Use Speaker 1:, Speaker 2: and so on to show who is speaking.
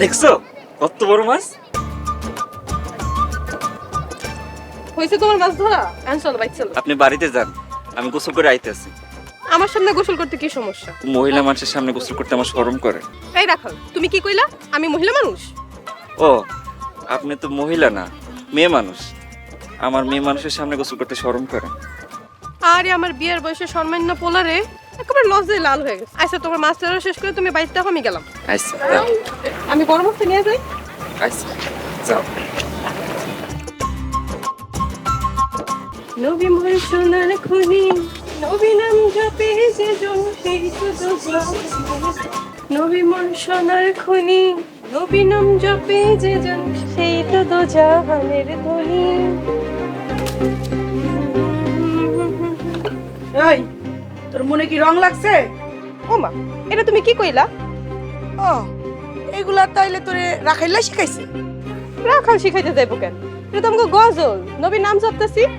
Speaker 1: দেখছো কত বড় মাছ।
Speaker 2: হয়েছে তোমার মাছ ধরা? চলো বাইক চলো।
Speaker 1: আপনি বাড়িতে যান, আমি গোসল করে আইতেছি।
Speaker 2: আমার সামনে গোসল করতে কি সমস্যা?
Speaker 1: মহিলা মানুষের সামনে গোসল করতে আমার শরম করে।
Speaker 2: এই রাখো, তুমি কি কইলা? আমি মহিলা মানুষ?
Speaker 1: ও, আপনি তো মহিলা না, মেয়ে মানুষ। আমার মেয়ে মানুষের সামনে গোসল করতে শরম করে।
Speaker 2: আরে আমার বিয়ের বয়সে সম্মান্য পোলারে একেবারে লজ্জায় লাল হয়ে গেছে। আচ্ছা তোমার মাছ ধরা শেষ করে তুমি বাইরে দেখো, আমি গেলাম।
Speaker 1: আচ্ছা যাও,
Speaker 2: আমি বড় মাছটা নিয়ে যাই।
Speaker 1: আচ্ছা যাও।
Speaker 2: নবী মোর সোনার খনি, নবী নাম জপে যে জন সেই তো দোজা। নবী মোর সোনার খনি, নবী নাম জপে যে জন সেই তো দোজাহানের ধ্বনি।
Speaker 3: এই তোর মনে কি রং লাগছে?
Speaker 2: ও মা, এটা তুমি কি কইলা?
Speaker 3: ও এগুলা তাইলে তোরে রাখাইলা শিখাইছে?
Speaker 2: রাখাল শিখাইতে যাইবো কেন? এটা তো আমাকে গজল, নবীর নাম জপতেছি।